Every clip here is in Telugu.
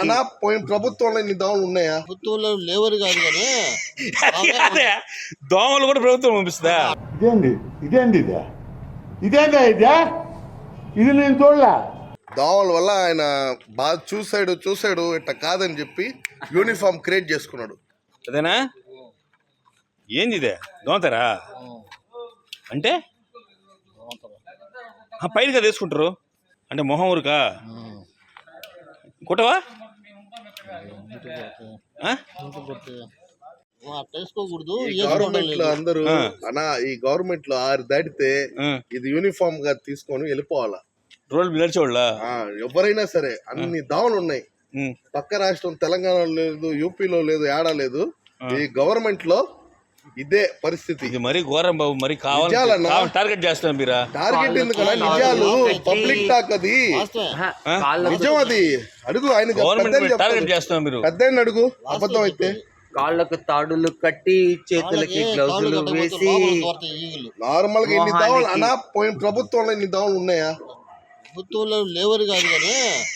అనా పోయిన ప్రభుత్వంలో ఇన్ని దోమలు ఉన్నాయా? ప్రభుత్వంలో లేవరు కాదు కానీ అదే దోమలు కూడా ప్రభుత్వం పంపిస్తుందా? ఇదేందా ఇది నేను చూడలే. దోమల వల్ల ఆయన బాగా చూసాడు ఇట్లా కాదని చెప్పి యూనిఫామ్ క్రియేట్ చేసుకున్నాడు. అదేనా? ఏంది ఇదే దోమతారా అంటే పైన కదా వేసుకుంటారు అంటే మొహం ఊరుకా కుట్టవా? వేసుకోకూడదు. గవర్నమెంట్ లో అందరూ అనా ఈ గవర్నమెంట్ లో 6 దాటితే ఇది యూనిఫామ్ గా తీసుకొని వెళ్ళిపోవాలా రోడ్లు నడిచేవాళ్ళ. ఎవరైనా సరే అన్ని దోమలు ఉన్నాయి. పక్క రాష్ట్రం తెలంగాణలో లేదు, యూపీలో లేదు, ఏడా లేదు. ఈ గవర్నమెంట్ లో ఇదే పరిస్థితి. ఇది మరీ ఘోరం బాబు. మరి కావాలన్నా టార్గెట్ చేస్తున్నారు మీరా? టార్గెట్ ఎందుకన్నా? నిజాలు పబ్లిక్ టాక్, అది నిజం. అది అడుగు ఆయన టార్గెట్ చేస్తున్నారు మీరు. పెద్ద అడుగు. అబద్ధం అయితే కాళ్ళకు తాడులు కట్టి చేతులకి గ్లౌజులు వేసి నార్మల్ గా ఇన్ని దోమలు అనా పోయిన ప్రభుత్వంలో ఇన్ని దోమలు ఉన్నాయా? ప్రభుత్వంలో లేవరు కాదు కానీ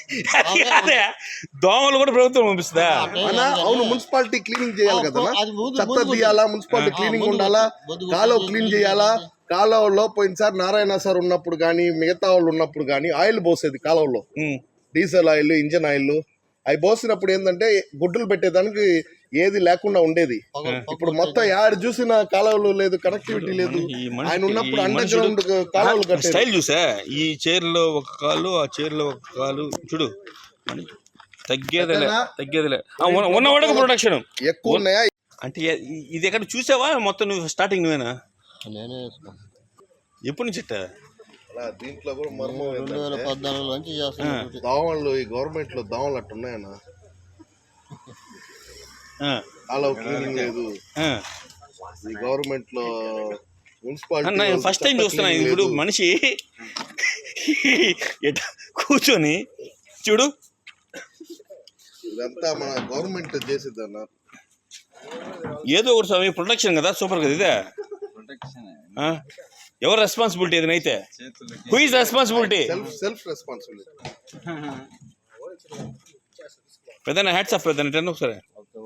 దోమలు కూడా ప్రభుత్వం పంపిస్తుందా? అవును, మున్సిపాలిటీ క్లీనింగ్ చేయాలి కదా, చెత్త తీయాలా, మున్సిపాలిటీ క్లీనింగ్ ఉండాలా, కాలువ క్లీన్ చేయాలా. కాలువలో పోయినసారి నారాయణ సార్ ఉన్నప్పుడు కానీ మిగతా వాళ్ళు ఉన్నప్పుడు కానీ ఆయిల్ పోసేది కాలువలో, డీజిల్ ఆయిల్, ఇంజన్ ఆయిల్. అవి పోసినప్పుడు ఏంటంటే గుడ్డులు పెట్టేదానికి ఏది లేకుండా ఉండేది. ఇప్పుడు మొత్తం యాడ్ చూసిన కాలువలు లేదు, కనెక్టివిటీ లేదు. ఆయన ఉన్నప్పుడు అండర్ గ్రౌండ్ కాలువలు కట్టారు. స్టైల్ చూసా, ఈ చైర్లో ఒక కాలు, ఆ చైర్లో ఒక కాలు. చూడు తగ్గేదిలే ఉన్నవాడికి ప్రొడక్షన్ ఎక్కువ ఉన్నాయా అంటే ఇది ఎక్కడ చూసావా? మొత్తం నువ్వు స్టార్టింగ్ నువ్వేనా? నేనే ఎప్పటి నుంచి దీంట్లో కూడా మర్మం 2014 నుంచి చేస్తాను. దోమలు ఈ గవర్నమెంట్ లో దోమలు అట్టు ఉన్నాయన్నా. కాలువ క్లీనింగ్ లేదు ఈ గవర్నమెంట్ లో. మున్సిపాలిటీ ఫస్ట్ టైం చూస్తున్నా. ఇప్పుడు మనిషి కూర్చొని చూడు, ఇదంతా మన గవర్నమెంట్ చేసేది అన్న. ఏదో ఒకటి సమయం ప్రొడక్షన్ కదా, సూపర్ కదా ఇదే. ఎవరు రెస్పాన్సిబిలిటీ ఏదైతే? Who is responsibility? Self responsibility. పెద్దనా హ్యాట్స్ ఆఫ్ పెద్దనా. ఇటన్ ఒకసారి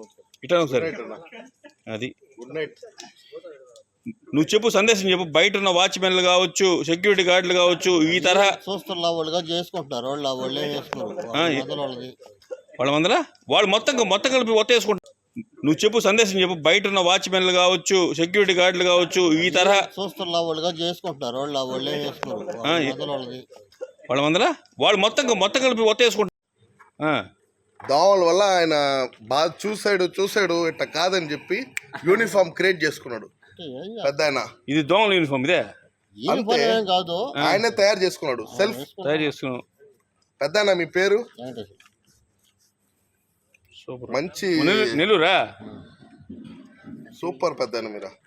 అది గుడ్ నైట్. నువ్వు చెప్పు, సందేశం చెప్పు. బయట ఉన్న వాచ్మెన్లు కావచ్చు, సెక్యూరిటీ గార్డులు కావచ్చు, ఈ తరహా చూస్తున్న వాళ్ళుగా చేసుకుంటున్నారు. వాళ్ళే చేసుకోరు వాళ్ళ మందర వాళ్ళు మొత్తం కలిపి ఒత్త వేసుకుంటారు. నువ్వు చెప్పు, సందేశం చెప్పు. బయట ఉన్న వాచ్మెన్లు కావచ్చు, సెక్యూరిటీ గార్డులు కావచ్చు, ఈ తరహా చూస్తున్న వాళ్ళుగా చేసుకుంటున్నారు. వాళ్ళే చేసుకోరు వాళ్ళ మందర వాళ్ళు మొత్తం కలిపి ఒత్త వేసుకుంటారు. దోమల వల్ల ఆయన బాగా చూసాడు ఇట్లా కాదని చెప్పి యూనిఫామ్ క్రియేట్ చేసుకున్నాడు. పెద్ద ఆయన ఇది దోమల యూనిఫామ్ ఇదే కాదు, ఆయనే తయారు చేసుకున్నాడు. సెల్ఫ్ తయారు చేసుకున్నాడు. పెద్ద ఆయన మీ పేరు? మంచి నెల్లూరా? సూపర్ పెద్ద ఆయన మీరు.